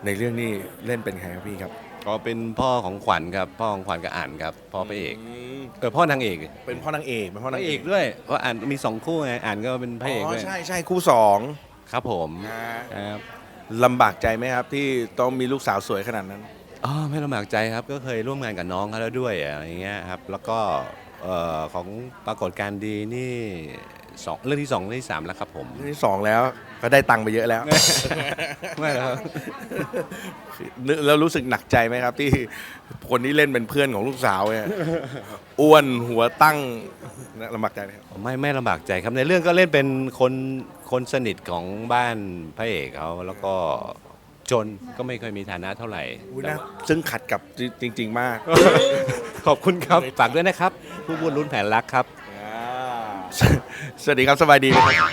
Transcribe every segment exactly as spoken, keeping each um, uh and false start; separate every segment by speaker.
Speaker 1: ในเรื่องนี้เล่นเป็นใครครับพี่ครับ
Speaker 2: ก็เป็นพ่อของขวัญครับพ่อของขวัญกับอ่านครับพ่อพระเอก
Speaker 1: ม
Speaker 2: เออพ่อนางเอก
Speaker 1: เป็นพ่อนางเอกเป็นพ่อ
Speaker 2: พ
Speaker 1: นาง
Speaker 2: ระ
Speaker 1: เอ
Speaker 2: เอก กด้วยเพราะอ่านมีสองคู่ไงอ่านก็เป็นพระเอก
Speaker 1: อ๋อ
Speaker 2: ด้วย
Speaker 1: ใช่ใช่คู่สอง
Speaker 2: ครับผม
Speaker 1: นะครับ ลำบากใจไหมครับที่ต้องมีลูกสาวสวยขนาดนั้น
Speaker 2: อ๋อไม่ลำบากใจครับก็เคยร่วมงานกับน้องเขาแล้วด้วยอะไรอย่างเงี้ยครับแล้วก็เอ่อของปรากฏการณ์ดีนี่สองเรื่องที่สองเรื่องที่สามแล้วครับผม
Speaker 1: เรื่องที่สองแล้วก็ได้ตังค์ไปเยอะแล้ว
Speaker 2: ไม่แล้วครับ
Speaker 1: แล้วรู้สึกหนักใจไหมครับ ที่คนที่เล่นเป็นเพื่อนของลูกสาวเนี่ยอ้วนหัวตั้งลำบากใจไหมครับ
Speaker 2: ไม่ไม่ลำบากใจครับในเรื่องก็เล่นเป็นคนคนสนิทของบ้านพระเอกเขาแล้วก็จนก็ไม่ค่อยมีฐานะเท่าไหร่
Speaker 1: อุ๊ยนะซึ่งขัดกับจริง ๆ มาก
Speaker 2: ขอบคุณครับฝากด้วยนะครับ ผู้บุญลุ้นแผนรักครับ
Speaker 1: สสวัสดีครับสบายดีไหมครับ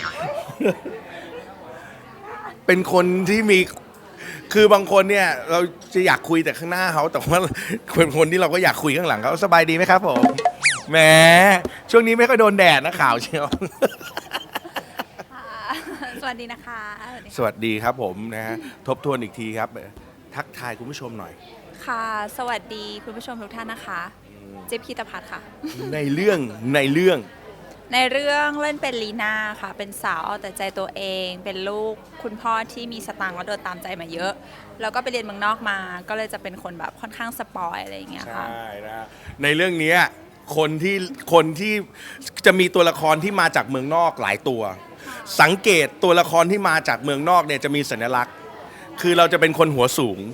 Speaker 1: เป็นคนที่มีคือบางคนเนี่ยเราจะอยากคุยแต่ข้างหน้าเขาแต่ว่าเป็นคนที่เราก็อยากคุยข้างหลังเขาสบายดีไหมครับผมแหมช่วงนี้ไม่ค่อยโดนแดดนะข่าวเชียว
Speaker 3: ค่ะสวัสดีนะคะสวัสดี
Speaker 1: สวัสดีครับผมนะฮะทบทวนอีกทีครับ ทักทายคุณผู้ชมหน่อย
Speaker 3: ค่ะ สวัสดีคุณผู้ชมทุกท่านนะคะเจี๊ยบพีตพัฒน์ค่ะ
Speaker 1: ในเรื่องในเรื่อง
Speaker 3: ในเรื่องเล่นเป็นลีน่าค่ะ เป็นสาวเอาแต่ใจตัวเอง เป็นลูกคุณพ่อที่มีสตางค์แล้วโดนตามใจมาเยอะ แล้วก็ไปเรียนเมืองนอกมา ก็เลยจะเป็นคนแบบค่อนข้างสปอยอะไรอย่างเงี้ยค่ะ
Speaker 1: ใช่นะในเรื่องเนี้ยคนที่คนที่จะมีตัวละครที่มาจากเมืองนอกหลายตัว สังเกตตัวละครที่มาจากเมืองนอกเนี่ยจะมีสัญลักษณ์ คือเราจะเป็นคนหัวสูง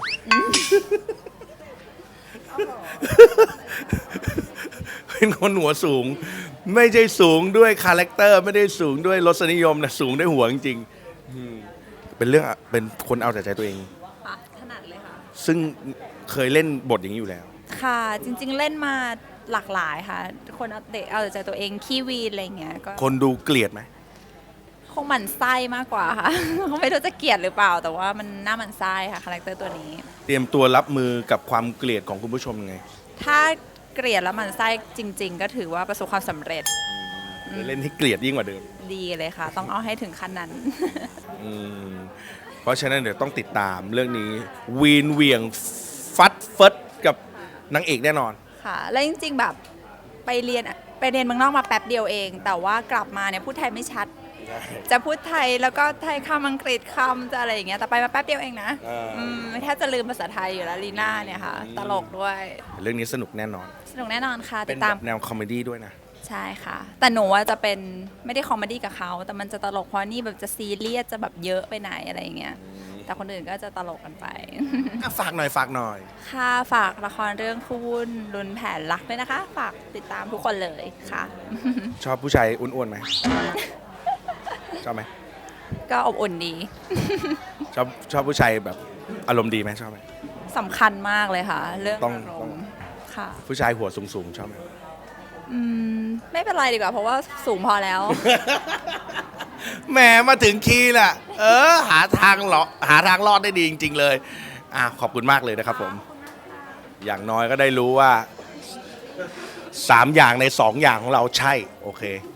Speaker 1: เป็นคนหัวสูง ไม่ใช่สูงด้วยคาแรคเตอร์ไม่ได้สูงด้วยรสนิยมนะสูงด้วยหัวจริงๆอืมเป็นเรื่องเป็นคนเอาแต่ใจตัวเอง
Speaker 3: ค่ะถนัดเลยค่ะ
Speaker 1: ซึ่งเคยเล่นบทอย่างนี้อยู่แล้ว
Speaker 3: ค่ะ จริงๆเล่นมาหลากหลายค่ะ คนเอาแต่เอาแต่ใจตัวเองขี้วีนอะไรอย่างเงี้ย ก็
Speaker 1: คนดูเกลียดไหม
Speaker 3: คงหมั่นไส้มากกว่าค่ะ ไม่รู้จะเกลียดหรือเปล่า แต่ว่ามันน่าหมั่นไส้ค่ะคาแรคเตอร์ตัวนี้
Speaker 1: เตรียมตัวรับมือกับความเกลียดของคุณผู้ชมยังไง
Speaker 3: ถ้าเกลียดแล้วหมันไส้จริง ๆ ก็ถือว่าประสบความสำเร็จ
Speaker 1: เล่นให้เกลียดยิ่งกว่าเดิม
Speaker 3: ดีเลยค่ะ ต้องเอาให้ถึงขั้นนั้น
Speaker 1: อืมเพราะฉะนั้นเดี๋ยวต้องติดตามเรื่องนี้ วีนเหวียงฟัดเฟิดกับนางเอกแน่นอน
Speaker 3: ค่ะ แล้วจริง ๆ แบบไปเรียนไปเรียนเมืองนอกมาแป๊บเดียวเอง แต่ว่ากลับมาเนี่ยพูดไทยไม่ชัด จะพูดไทยแล้วก็ไทยคำอังกฤษคำจะอะไรอย่างเงี้ยแต่ไปมาแป๊บเดียวเองนะ
Speaker 1: อ่า
Speaker 3: อืมแทบจะลืมภาษาไทยอยู่แล้วลีน่าเนี่ยค่ะ ตลกด้วย
Speaker 1: เรื่องนี้สนุกแน่นอน
Speaker 3: สนุกแน่นอนค่ะ
Speaker 1: เป็
Speaker 3: ติ
Speaker 1: น
Speaker 3: ด
Speaker 1: แบ
Speaker 3: ตาม
Speaker 1: บแนวคอมเมดี้ด้วยนะ
Speaker 3: ใช่ค่ะ แต่หนูว่าจะเป็นไม่ได้คอมเมดี้กับเขาแต่มันจะตลกเพราะนี่แบบจะซีเรียสจะแบบเยอะไปไหนอะไรอย่างเงี้ยแต่คนอื่นก็จะตลกกันไป
Speaker 1: อ่ะฝากหน่อยฝากหน่อย
Speaker 3: ค่ะฝากละครเรื่องคู่วุ่นรุนแผนรักด้วยนะคะ ฝากติดตามทุกคนเลยค่ะ
Speaker 1: ชอบผู้ชายอ้วนๆไหม ชอบไหม
Speaker 3: ก็อบอุ่นดี
Speaker 1: ชอบชอบผู้ชายแบบอารมณ์ดีไหมชอบไหม
Speaker 3: สำคัญมากเลยค่ะ เรื่อง
Speaker 1: ต้อง
Speaker 3: อาร
Speaker 1: ต้อง
Speaker 3: มณ์ค่ะ
Speaker 1: ผู้ชายหัวสูงๆชอบไหม
Speaker 3: อืมไม่เป็นไรดีกว่า เพราะว่าสูงพอแล้ว
Speaker 1: แหมมาถึงคีย์แหละเออ หาทางหรอหาทางรอดได้ดีจริง ๆ เลยอ่ะขอบคุณมากเลยนะครับผม อย่างน้อยก็ได้รู้ว่าสามอย่างในสองอย่างของเราใช่ โอเค